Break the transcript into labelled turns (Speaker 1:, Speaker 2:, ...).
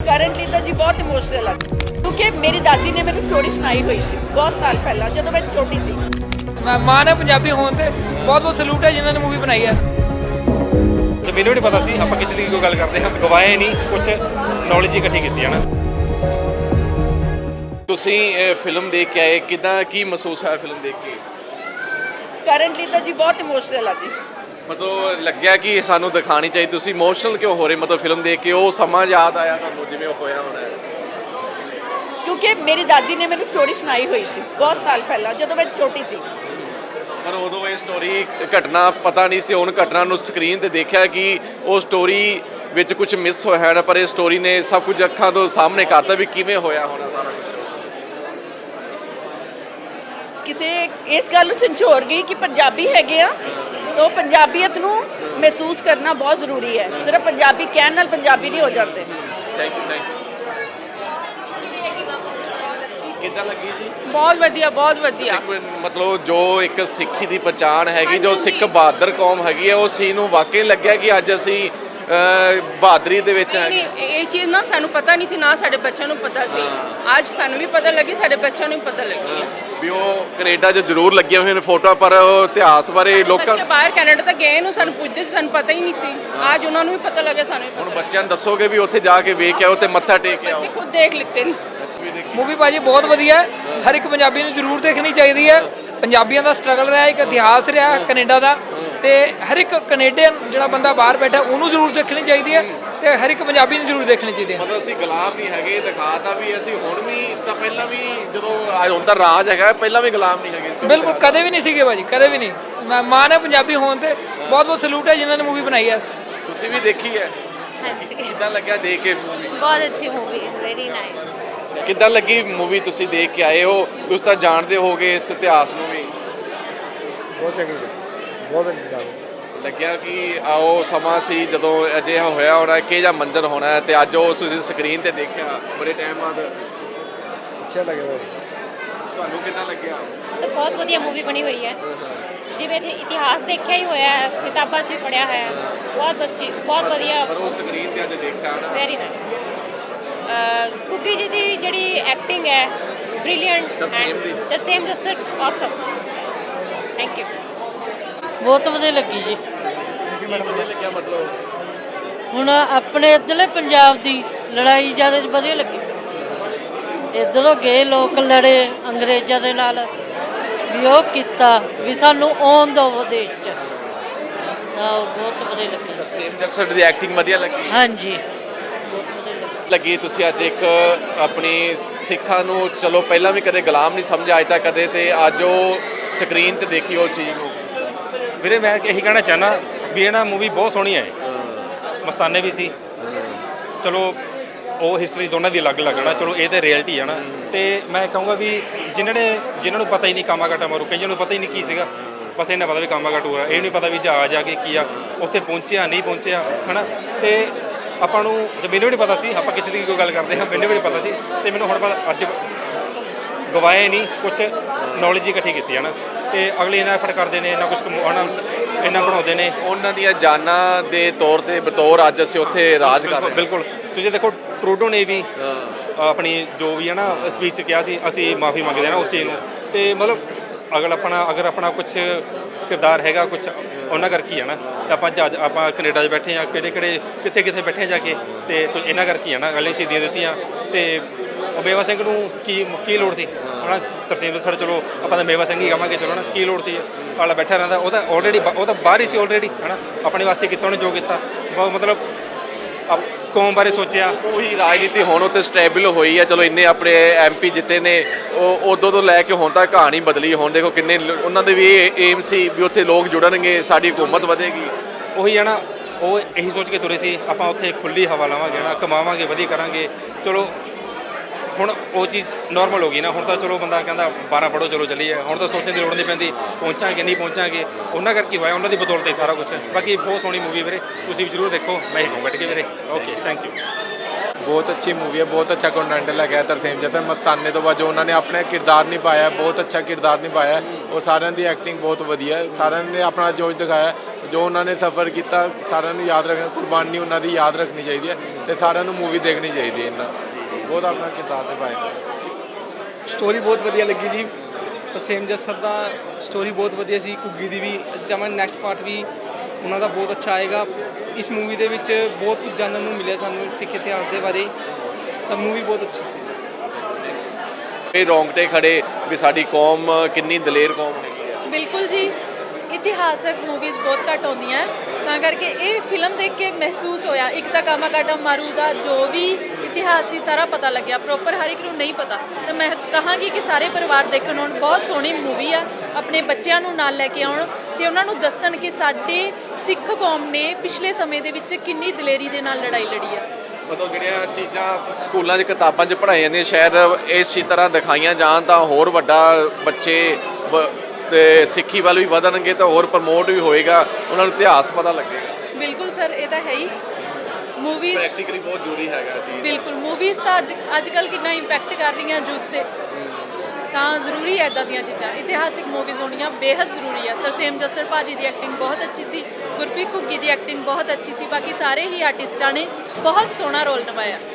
Speaker 1: Currently ਤਾਂ ਜੀ ਬਹੁਤ ਇਮੋਸ਼ਨਲ ਆ ਕਿਉਂਕਿ ਮੇਰੀ ਦਾਦੀ ਨੇ ਮੈਨੂੰ ਸਟੋਰੀ ਸੁਣਾਈ ਹੋਈ ਸੀ ਬਹੁਤ ਸਾਲ ਪਹਿਲਾਂ ਜਦੋਂ ਮੈਂ ਛੋਟੀ ਸੀ।
Speaker 2: ਮੈਂ ਮਾਨ ਹੈ ਪੰਜਾਬੀ ਹੋਣ ਤੇ ਬਹੁਤ ਬਹੁਤ ਸਲੂਟ ਹੈ ਜਿਨ੍ਹਾਂ ਨੇ ਮੂਵੀ ਬਣਾਈ ਹੈ।
Speaker 3: ਤੇ ਮੈਨੂੰ ਨਹੀਂ ਪਤਾ ਸੀ ਆਪਾਂ ਕਿਸੇ ਦੀ ਕੋਈ ਗੱਲ ਕਰਦੇ ਹਾਂ, ਗਵਾਏ ਨਹੀਂ ਕੁਝ ਨੌਲੇਜ ਹੀ ਇਕੱਠੀ ਕੀਤੀ ਹੈ ਨਾ।
Speaker 4: ਤੁਸੀਂ ਇਹ ਫਿਲਮ ਦੇਖ ਕੇ ਆਏ, ਕਿਦਾਂ ਕੀ ਮਹਿਸੂਸ ਹੋਇਆ ਫਿਲਮ ਦੇਖ ਕੇ?
Speaker 1: ਕਰੰਟਲੀ ਤਾਂ ਜੀ ਬਹੁਤ ਇਮੋਸ਼ਨਲ ਆ ਜੀ।
Speaker 4: ਮਤਲਬ ਲੱਗਿਆ ਕਿ ਸਾਨੂੰ ਦਿਖਾਣੀ ਚਾਹੀਦੀ। ਤੁਸੀਂ ਇਮੋਸ਼ਨਲ ਕਿਉਂ ਹੋ ਰਹੇ ਮਤਲਬ ਫਿਲਮ ਦੇਖ ਕੇ? ਉਹ ਸਮਾਂ ਯਾਦ ਆਇਆ ਤੁਹਾਨੂੰ ਜਿਵੇਂ ਉਹ ਹੋਇਆ ਹੋਣਾ ਹੈ?
Speaker 1: ਕਿਉਂਕਿ ਮੇਰੀ ਦਾਦੀ ਨੇ ਮੈਨੂੰ ਸਟੋਰੀ ਸੁਣਾਈ ਹੋਈ ਸੀ ਬਹੁਤ ਸਾਲ ਪਹਿਲਾਂ ਜਦੋਂ ਮੈਂ ਛੋਟੀ ਸੀ।
Speaker 4: ਪਰ ਉਦੋਂ ਇਹ ਸਟੋਰੀ ਘਟਨਾ ਪਤਾ ਨਹੀਂ ਸੀ, ਹੁਣ ਘਟਨਾ ਨੂੰ ਸਕਰੀਨ ਤੇ ਦੇਖਿਆ ਕਿ ਉਹ ਸਟੋਰੀ ਵਿੱਚ ਕੁਝ ਮਿਸ ਹੋਇਆ ਹੈ, ਪਰ ਇਹ ਸਟੋਰੀ ਨੇ ਸਭ ਕੁਝ ਅੱਖਾਂ ਤੋਂ ਸਾਹਮਣੇ ਕਰਤਾ ਵੀ ਕਿਵੇਂ ਹੋਇਆ ਹੋਣਾ ਸਾਰਾ ਕੁਝ।
Speaker 1: ਕਿਸੇ ਇਸ ਗੱਲ ਨੂੰ ਝੰਜੋਰ ਗਈ ਕਿ ਪੰਜਾਬੀ ਹੈਗੇ ਆ ਤਾਂ ਪੰਜਾਬੀਅਤ ਨੂੰ ਮਹਿਸੂਸ ਕਰਨਾ ਬਹੁਤ ਜ਼ਰੂਰੀ ਹੈ। ਸਿਰਫ ਪੰਜਾਬੀ ਕਹਿਣ ਨਾਲ ਪੰਜਾਬੀ ਨਹੀਂ ਹੋ ਜਾਂਦੇ।
Speaker 4: ਥੈਂਕ ਯੂ ਕਿੱਦਾਂ ਲੱਗੀ ਜੀ?
Speaker 5: ਬਹੁਤ ਵਧੀਆ ਬਹੁਤ ਵਧੀਆ।
Speaker 4: ਮਤਲਬ ਜੋ ਇੱਕ ਸਿੱਖੀ ਦੀ ਪਛਾਣ ਹੈਗੀ, ਜੋ ਸਿੱਖ ਬਹਾਦਰ ਕੌਮ ਹੈਗੀ ਹੈ, ਉਸ ਚੀਜ਼ ਨੂੰ ਵਾਕਈ ਲੱਗਿਆ ਕਿ ਅੱਜ ਅਸੀਂ ਬਹਾਦਰੀ ਦੇ ਵਿੱਚ
Speaker 5: ਨਹੀਂ ਇਹ ਚੀਜ਼ ਨਾ ਸਾਨੂੰ ਪਤਾ ਨਹੀਂ ਸੀ, ਨਾ ਸਾਡੇ ਬੱਚਿਆਂ ਨੂੰ ਪਤਾ ਸੀ। ਅੱਜ ਸਾਨੂੰ ਵੀ ਪਤਾ ਲੱਗੀ, ਸਾਡੇ ਬੱਚਿਆਂ ਨੂੰ ਵੀ ਪਤਾ ਲੱਗੀ
Speaker 4: ਵੀ ਉਹ ਕੈਨੇਡਾ 'ਚ ਜ਼ਰੂਰ ਲੱਗੀਆਂ ਹੋਈਆਂ ਨੇ ਫੋਟੋਆਂ, ਪਰ ਉਹ ਇਤਿਹਾਸ ਬਾਰੇ ਲੋਕਾਂ
Speaker 5: ਬੱਚੇ ਬਾਹਰ ਕੈਨੇਡਾ ਤੱਕ ਗਏ ਨੂੰ ਸਾਨੂੰ ਪੁੱਛਦੇ ਸੀ, ਸਾਨੂੰ ਪਤਾ ਹੀ ਨਹੀਂ ਸੀ। ਅੱਜ ਉਹਨਾਂ ਨੂੰ ਵੀ ਪਤਾ ਲੱਗਿਆ, ਸਾਨੂੰ ਵੀ
Speaker 4: ਹੁਣ
Speaker 5: ਪਤਾ
Speaker 4: ਬੱਚਿਆਂ ਨੂੰ ਦੱਸੋਗੇ ਵੀ ਉੱਥੇ ਜਾ ਕੇ ਵੇਖ ਕੇ ਆਓ ਤੇ ਮੱਥਾ ਟੇਕ ਕੇ ਆਓ।
Speaker 5: ਬੱਚੇ ਖੁਦ ਦੇਖ ਲਿੱਤੇ ਨੇ।
Speaker 2: ਮੂਵੀ ਭਾਜੀ ਬਹੁਤ ਵਧੀਆ ਹੈ, ਹਰ ਇੱਕ ਪੰਜਾਬੀ ਨੂੰ ਜ਼ਰੂਰ ਦੇਖਣੀ ਚਾਹੀਦੀ ਹੈ। ਪੰਜਾਬੀਆਂ ਦਾ ਸਟਰਗਲ ਰਿਹਾ, ਇੱਕ ਇਤਿਹਾਸ ਰਿਹਾ ਕੈਨੇਡਾ ਦਾ, ਤੇ ਹਰ ਇੱਕ ਕੈਨੇਡੀਅਨ ਜਿਹੜਾ ਬੰਦਾ ਬਾਹਰ ਬੈਠਾ ਉਹਨੂੰ ਜ਼ਰੂਰ ਦੇਖਣੀ ਚਾਹੀਦੀ ਹੈ, ਤੇ ਹਰ ਇੱਕ ਪੰਜਾਬੀ ਨੂੰ ਜ਼ਰੂਰ ਦੇਖਣੀ ਚਾਹੀਦੀ ਹੈ।
Speaker 4: ਮਤਲਬ ਅਸੀਂ ਗੁਲਾਮ ਨਹੀਂ ਹੈਗੇ, ਦਿਖਾਤਾ ਵੀ ਅਸੀਂ ਹੁਣ ਵੀ ਤਾਂ ਪਹਿਲਾਂ ਵੀ ਜਦੋਂ ਹੁਣ ਤਾਂ ਰਾਜ ਹੈਗਾ, ਪਹਿਲਾਂ ਵੀ ਗੁਲਾਮ ਨਹੀਂ ਹੈਗੇ ਸੀ।
Speaker 2: ਬਿਲਕੁਲ ਕਦੇ ਵੀ ਨਹੀਂ ਸੀਗੇ ਭਾਜੀ, ਕਦੇ ਵੀ ਨਹੀਂ। ਮੈਂ ਮਾਨ ਹੈ ਪੰਜਾਬੀ ਹੋਣ ਤੇ ਬਹੁਤ ਬਹੁਤ ਸਲੂਟ ਹੈ ਜਿਨ੍ਹਾਂ ਨੇ ਮੂਵੀ ਬਣਾਈ ਹੈ।
Speaker 4: ਤੁਸੀਂ ਵੀ ਦੇਖੀ ਹੈ?
Speaker 6: ਹਾਂਜੀ
Speaker 4: ਕਿੱਦਾਂ ਲੱਗਿਆ ਦੇਖ ਕੇ ਮੂਵੀ?
Speaker 6: ਬਹੁਤ ਅੱਛੀ ਮੂਵੀ ਹੈ, ਵੈਰੀ ਨਾਈਸ।
Speaker 4: ਕਿੱਦਾਂ ਲੱਗੀ ਮੂਵੀ? ਤੁਸੀਂ ਦੇਖ ਕੇ ਆਏ ਹੋ, ਤੁਸੀਂ ਤਾਂ ਜਾਣਦੇ ਹੋਗੇ ਇਸ ਇਤਿਹਾਸ ਨੂੰ ਵੀ।
Speaker 7: ਬਹੁਤ ਚੰਗੀ, ਬਹੁਤ ਜ਼ਿਆਦਾ
Speaker 4: ਲੱਗਿਆ ਕਿ ਆਓ ਸਮਾਂ ਸੀ ਜਦੋਂ ਅਜਿਹਾ ਹੋਇਆ ਹੋਣਾ, ਕਿਹੋ ਜਿਹਾ ਮੰਜ਼ਰ ਹੋਣਾ ਹੈ, ਤੇ ਅੱਜ ਉਹ ਤੁਸੀਂ ਸਕਰੀਨ ਤੇ ਦੇਖਿਆ ਬੜੇ ਟਾਈਮ ਬਾਅਦ।
Speaker 7: ਅੱਛਾ ਲੱਗਿਆ।
Speaker 4: ਤੁਹਾਨੂੰ ਕਿੱਦਾਂ ਲੱਗਿਆ?
Speaker 8: ਸਭ ਬਹੁਤ ਵਧੀਆ ਮੂਵੀ ਬਣੀ ਹੋਈ ਹੈ, ਜਿਵੇਂ ਇਤਿਹਾਸ ਦੇਖਿਆ ਹੀ ਹੋਇਆ ਹੈ, ਕਿਤਾਬਾਂ 'ਚ ਵੀ ਪੜ੍ਹਿਆ ਹੋਇਆ ਹੈ। ਬਹੁਤ ਅੱਛੀ, ਬਹੁਤ ਵਧੀਆ,
Speaker 4: ਪਰ ਉਹ ਸਕਰੀਨ ਤੇ ਅੱਜ ਦੇਖਿਆ ਨਾ,
Speaker 8: ਵੈਰੀ ਨਾਈਸ। ਕੁੱਕੀ ਜੀ ਦੀ ਜਿਹੜੀ ਐਕਟਿੰਗ ਹੈ brilliant and Tarsem just awesome. Thank you.
Speaker 9: ਬਹੁਤ ਵਧੀਆ ਲੱਗੀ ਜੀ।
Speaker 4: ਵਧੀਆ ਲੱਗਿਆ ਮਤਲਬ
Speaker 9: ਹੁਣ ਆਪਣੇ ਇੱਧਰਲੇ ਪੰਜਾਬ ਦੀ ਲੜਾਈ ਜ਼ਿਆਦਾ ਵਧੀਆ ਲੱਗੀ। ਇੱਧਰੋਂ ਗਏ ਲੋਕ ਲੜੇ ਅੰਗਰੇਜ਼ਾਂ ਦੇ ਨਾਲ, ਵੀ ਉਹ ਕੀਤਾ ਵੀ ਸਾਨੂੰ ਆਉਣ ਦਿਓ ਦੇਸ਼ 'ਚ, ਤਾਂ ਬਹੁਤ ਵਧੀਆ ਲੱਗੀ।
Speaker 4: ਸੇਮ ਜਸਟ ਦੀ ਐਕਟਿੰਗ ਵਧੀਆ ਲੱਗੀ।
Speaker 9: ਹਾਂਜੀ ਬਹੁਤ ਵਧੀਆ
Speaker 4: ਲੱਗੀ। ਤੁਸੀਂ ਅੱਜ ਇੱਕ ਆਪਣੀ ਸਿੱਖਾਂ ਨੂੰ, ਚਲੋ ਪਹਿਲਾਂ ਵੀ ਕਦੇ ਗੁਲਾਮ ਨਹੀਂ ਸਮਝਿਆ ਅੱਜ ਤੱਕ ਕਦੇ, ਤੇ ਅੱਜ ਉਹ ਸਕਰੀਨ ਤੇ ਦੇਖੀ ਉਹ ਚੀਜ਼ ਨੂੰ।
Speaker 3: ਵੀਰੇ ਮੈਂ ਇਹੀ ਕਹਿਣਾ ਚਾਹੁੰਦਾ ਵੀ ਇਹ ਨਾ ਮੂਵੀ ਬਹੁਤ ਸੋਹਣੀ ਹੈ। ਮਸਤਾਨੇ ਵੀ ਸੀ, ਚਲੋ ਉਹ ਹਿਸਟਰੀ ਦੋਨਾਂ ਦੀ ਅਲੱਗ ਲੱਗਣਾ, ਚਲੋ ਇਹ ਤਾਂ ਰਿਐਲਿਟੀ ਹੈ ਨਾ। ਤੇ ਮੈਂ ਕਹੂੰਗਾ ਵੀ ਜਿਨ੍ਹਾਂ ਨੂੰ ਪਤਾ ਹੀ ਨਹੀਂ ਕਾਮਾ ਘਾਟਾ ਮਾਰੂ, ਕਈਆਂ ਨੂੰ ਪਤਾ ਹੀ ਨਹੀਂ ਕੀ ਸੀਗਾ, ਬਸ ਇਹਨਾਂ ਪਤਾ ਵੀ ਕਾਮਾ ਘਾਟੂ ਆ, ਇਹ ਨਹੀਂ ਪਤਾ ਵੀ ਜਹਾਜ਼ ਆ ਕੇ ਕੀ ਆ, ਉੱਥੇ ਪਹੁੰਚਿਆ ਨਹੀਂ ਪਹੁੰਚਿਆ ਹੈ ਨਾ। ਤੇ ਆਪਾਂ ਨੂੰ, ਮੈਨੂੰ ਵੀ ਨਹੀਂ ਪਤਾ ਸੀ, ਆਪਾਂ ਕਿਸੇ ਦੀ ਕੋਈ ਗੱਲ ਕਰਦੇ ਹਾਂ, ਮੈਨੂੰ ਵੀ ਨਹੀਂ ਪਤਾ ਸੀ, ਤੇ ਮੈਨੂੰ ਹੁਣ ਪਤਾ ਅੱਜ ਗਵਾਏ ਨਹੀਂ ਕੁਝ ਨੌਲੇਜ ਹੀ ਇਕੱਠੀ ਕੀਤੀ ਹੈ ਨਾ। ਤੇ ਅਗਲੇ ਇਹਨਾਂ ਐਫਰਟ ਕਰਦੇ ਨੇ, ਇਹਨਾਂ ਕੁਝ ਇਹਨਾਂ ਬਣਾਉਂਦੇ ਨੇ,
Speaker 4: ਉਹਨਾਂ ਦੀਆਂ ਜਾਨਾਂ ਦੇ ਤੌਰ ਤੇ ਬਤੌਰ ਅੱਜ ਅਸੀਂ ਉੱਥੇ ਰਾਜ ਕਰ ਰਹੇ ਹਾਂ।
Speaker 3: ਬਿਲਕੁਲ ਤੁਸੀਂ ਦੇਖੋ ਟਰੂਡੋ ਨੇ ਵੀ ਆਪਣੀ ਜੋ ਵੀ ਹੈ ਨਾ ਸਪੀਚ 'ਚ ਕਿਹਾ ਸੀ, ਅਸੀਂ ਮਾਫੀ ਮੰਗਦੇ ਹਾਂ ਨਾ ਉਸ ਚੀਜ਼ ਨੂੰ। ਤੇ ਮਤਲਬ ਅਗਰ ਆਪਣਾ ਕੁਝ ਕਿਰਦਾਰ ਹੈਗਾ ਕੁਝ ਉਹਨਾਂ ਕਰਕੇ ਹੀ ਹੈ ਨਾ, ਤੇ ਆਪਾਂ ਅੱਜ ਆਪਾਂ ਕੈਨੇਡਾ 'ਚ ਬੈਠੇ ਹਾਂ, ਕਿੱਥੇ ਬੈਠੇ ਜਾ ਕੇ, ਤੇ ਕੁਝ ਇਹਨਾਂ ਕਰਕੇ ਹੀ ਹੈ ਨਾ। ਅਗਲੇ ਸ਼ਹੀਦੀਆਂ ਦਿੱਤੀਆਂ, ਤੇ ਮੇਵਾ ਸਿੰਘ ਨੂੰ ਕੀ ਲੋੜ ਸੀ ਹੈ ਨਾ। ਤਰਸੇਮ ਜੱਸੜ, ਚਲੋ ਆਪਾਂ ਤਾਂ ਮੇਵਾ ਸਿੰਘ ਹੀ ਕਹਾਂਗੇ, ਚਲੋ ਨਾ, ਕੀ ਲੋੜ ਸੀ ਆਲਾ ਬੈਠਾ ਰਹਿੰਦਾ, ਉਹ ਤਾਂ ਬਾਹਰ ਹੀ ਸੀ ਆਲਰੇਡੀ ਹੈ ਨਾ। ਆਪਣੇ ਵਾਸਤੇ ਕੀਤਾ ਉਹਨੇ ਜੋ ਕੀਤਾ, ਮਤਲਬ ਕੌਮ ਬਾਰੇ ਸੋਚਿਆ।
Speaker 4: ਉਹੀ ਰਾਜਨੀਤੀ ਹੁਣ ਉੱਥੇ ਸਟੇਬਲ ਹੋਈ ਹੈ, ਚਲੋ ਇੰਨੇ ਆਪਣੇ MP ਜਿੱਤੇ ਨੇ, ਉਹ ਉਦੋਂ ਤੋਂ ਲੈ ਕੇ ਹੁਣ ਤੱਕ ਕਹਾਣੀ ਬਦਲੀ। ਹੁਣ ਦੇਖੋ ਕਿੰਨੇ ਉਹਨਾਂ ਦੇ ਵੀ ਏਮ ਸੀ ਵੀ ਉੱਥੇ ਲੋਕ ਜੁੜਨਗੇ, ਸਾਡੀ ਹਕੂਮਤ ਵਧੇਗੀ।
Speaker 3: ਉਹੀ ਹੈ ਨਾ, ਉਹ ਇਹੀ ਸੋਚ ਕੇ ਤੁਰੇ ਸੀ ਆਪਾਂ ਉੱਥੇ ਖੁੱਲ੍ਹੀ ਹਵਾ ਲਾਵਾਂਗੇ ਨਾ, ਕਮਾਵਾਂਗੇ, ਵਧੀਆ ਕਰਾਂਗੇ। ਚਲੋ ਹੁਣ ਉਹ ਚੀਜ਼ ਨਾਰਮਲ ਹੋ ਗਈ ਨਾ। ਹੁਣ ਤਾਂ ਚਲੋ ਬੰਦਾ ਕਹਿੰਦਾ 12 ਪੜ੍ਹੋ ਚਲੋ ਚੱਲੀਏ, ਹੁਣ ਤਾਂ ਸੋਚਣ ਦੀ ਲੋੜ ਨਹੀਂ ਪੈਂਦੀ ਪਹੁੰਚਾਂਗੇ ਨਹੀਂ ਪਹੁੰਚਾਂਗੇ। ਉਹਨਾਂ ਕਰਕੇ ਹੋਇਆ, ਉਹਨਾਂ ਦੀ ਬਦੌਲਤ ਹੀ ਸਾਰਾ ਕੁਛ। ਬਾਕੀ ਬਹੁਤ ਸੋਹਣੀ ਮੂਵੀ ਵੀਰੇ, ਤੁਸੀਂ ਵੀ ਜ਼ਰੂਰ ਦੇਖੋ। ਮੈਂ ਹੀ ਕਹੂੰ ਬੈਠ ਕੇ ਵੀਰੇ। Okay, thank you.
Speaker 7: ਬਹੁਤ ਅੱਛੀ ਮੂਵੀ ਹੈ, ਬਹੁਤ ਅੱਛਾ ਕੰਟੈਂਟ ਲੱਗਿਆ ਤਰਸੇਮ ਜੱਸਰ ਮਸਤਾਨੇ ਤੋਂ ਬਾਅਦ ਜੋ ਉਹਨਾਂ ਨੇ ਆਪਣੇ ਕਿਰਦਾਰ ਨਿਭਾਇਆ, ਬਹੁਤ ਅੱਛਾ ਕਿਰਦਾਰ ਨਿਭਾਇਆ ਔਰ ਸਾਰਿਆਂ ਦੀ ਐਕਟਿੰਗ ਬਹੁਤ ਵਧੀਆ ਹੈ। ਸਾਰਿਆਂ ਨੇ ਆਪਣਾ ਜੋਸ਼ ਦਿਖਾਇਆ, ਜੋ ਉਹਨਾਂ ਨੇ ਸਫ਼ਰ ਕੀਤਾ ਸਾਰਿਆਂ ਨੂੰ ਯਾਦ ਰੱਖਣਾ, ਕੁਰਬਾਨੀ ਉਹਨਾਂ ਦੀ ਯਾਦ ਰੱਖਣੀ ਚਾਹੀਦੀ ਹੈ ਤੇ ਸਾਰਿਆਂ ਨੂੰ ਮੂਵੀ ਦੇਖਣੀ ਚਾਹੀਦੀ ਹੈ। ਇਹਨਾਂ ਬਹੁਤ ਆਪਣਾ ਕਿਰਦਾਰ ਨਿਭਾਇਆ।
Speaker 10: ਸਟੋਰੀ ਬਹੁਤ ਵਧੀਆ ਲੱਗੀ ਜੀ। ਤਰਸੇਮ ਜੱਸਰ ਦਾ ਸਟੋਰੀ ਬਹੁਤ ਵਧੀਆ ਸੀ। ਘੁੱਗੀ ਦੀ ਵੀ ਅਸੀਂ ਚਾਹਾਂਗੇ ਨੈਕਸਟ ਪਾਰਟ ਵੀ ਉਹਨਾਂ ਦਾ ਬਹੁਤ ਅੱਛਾ ਆਏਗਾ। ਇਸ ਮੂਵੀ ਦੇ ਵਿੱਚ ਬਹੁਤ ਕੁਝ ਜਾਣਨ ਨੂੰ ਮਿਲਿਆ ਸਾਨੂੰ ਸਿੱਖ ਇਤਿਹਾਸ ਦੇ ਬਾਰੇ, ਤਾਂ ਮੂਵੀ ਬਹੁਤ ਅੱਛੀ ਸੀ।
Speaker 4: ਇਹ ਰੌਂਗਟੇ ਖੜੇ ਵੀ ਸਾਡੀ ਕੌਮ ਕਿੰਨੀ ਦਲੇਰ ਕੌਮ ਹੈਗੀ ਆ।
Speaker 11: ਬਿਲਕੁਲ ਜੀ, ਇਤਿਹਾਸਕ ਮੂਵੀਜ਼ ਬਹੁਤ ਘੱਟ ਆਉਂਦੀਆਂ ਤਾਂ ਕਰਕੇ ਇਹ ਫਿਲਮ ਦੇਖ ਕੇ ਮਹਿਸੂਸ ਹੋਇਆ। ਇੱਕ ਤਾਂ ਕਾਮਾਕਾਟਾ ਮਾਰੂ ਦਾ ਜੋ ਵੀ ਇਤਿਹਾਸ ਸੀ ਸਾਰਾ ਪਤਾ ਲੱਗਿਆ, ਪ੍ਰੋਪਰ ਹਰ ਇੱਕ ਨੂੰ ਨਹੀਂ ਪਤਾ, ਤਾਂ ਮੈਂ ਕਹਾਂਗੀ ਕਿ ਸਾਰੇ ਪਰਿਵਾਰ ਦੇਖਣ ਆਉਣ। ਬਹੁਤ ਸੋਹਣੀ ਮੂਵੀ ਆ, ਆਪਣੇ ਬੱਚਿਆਂ ਨੂੰ ਨਾਲ ਲੈ ਕੇ ਆਉਣ ਤੇ ਉਹਨਾਂ ਨੂੰ ਦੱਸਣ ਕਿ ਸਾਡੇ ਸਿੱਖ ਕੌਮ ਨੇ ਪਿਛਲੇ ਸਮੇਂ ਦੇ ਵਿੱਚ ਕਿੰਨੀ ਦਲੇਰੀ ਦੇ ਨਾਲ ਲੜਾਈ ਲੜੀ ਆ।
Speaker 4: ਮਤਲਬ ਜਿਹੜੀਆਂ ਚੀਜ਼ਾਂ ਸਕੂਲਾਂ 'ਚ ਕਿਤਾਬਾਂ 'ਚ ਪੜ੍ਹਾਈਆਂ ਜਾਂਦੀਆਂ ਸ਼ਾਇਦ ਇਸੇ ਤਰ੍ਹਾਂ ਦਿਖਾਈਆਂ ਜਾਣ ਤਾਂ ਹੋਰ ਵੱਡਾ ਬੱਚੇ ਤੇ ਸਿੱਖੀ ਵੱਲ ਵੀ ਵਧਣਗੇ ਤਾਂ ਹੋਰ ਪ੍ਰਮੋਟ ਵੀ ਹੋਏਗਾ, ਉਹਨਾਂ ਨੂੰ ਇਤਿਹਾਸ ਪਤਾ ਲੱਗੇਗਾ।
Speaker 11: ਬਿਲਕੁਲ ਸਰ, ਇਹ ਤਾਂ ਹੈ ਹੀ। ਮੂਵੀਜ਼
Speaker 4: ਪ੍ਰੈਕਟੀਕਲੀ ਬਹੁਤ ਜ਼ਰੂਰੀ ਹੈਗਾ ਜੀ।
Speaker 11: ਬਿਲਕੁਲ, ਮੂਵੀਜ਼ ਤਾਂ ਅੱਜ ਕੱਲ੍ਹ ਕਿੰਨਾ ਇੰਪੈਕਟ ਕਰ ਰਹੀਆਂ ਯੂਥ ਤੇ, ਤਾਂ ਜ਼ਰੂਰੀ ਹੈ ਇੱਦਾਂ ਦੀਆਂ ਚੀਜ਼ਾਂ। ਇਤਿਹਾਸਿਕ ਮੂਵੀਜ਼ ਹੋਣੀਆਂ ਬੇਹੱਦ ਜ਼ਰੂਰੀ ਹੈ। ਤਰਸੇਮ ਜੱਸਰ ਭਾਜੀ ਦੀ ਐਕਟਿੰਗ ਬਹੁਤ ਅੱਛੀ ਸੀ, ਗੁਰਪ੍ਰੀਤ ਘੁੱਗੀ ਦੀ ਐਕਟਿੰਗ ਬਹੁਤ ਅੱਛੀ ਸੀ, ਬਾਕੀ ਸਾਰੇ ਹੀ ਆਰਟਿਸਟਾਂ ਨੇ ਬਹੁਤ ਸੋਹਣਾ ਰੋਲ ਨਿਭਾਇਆ।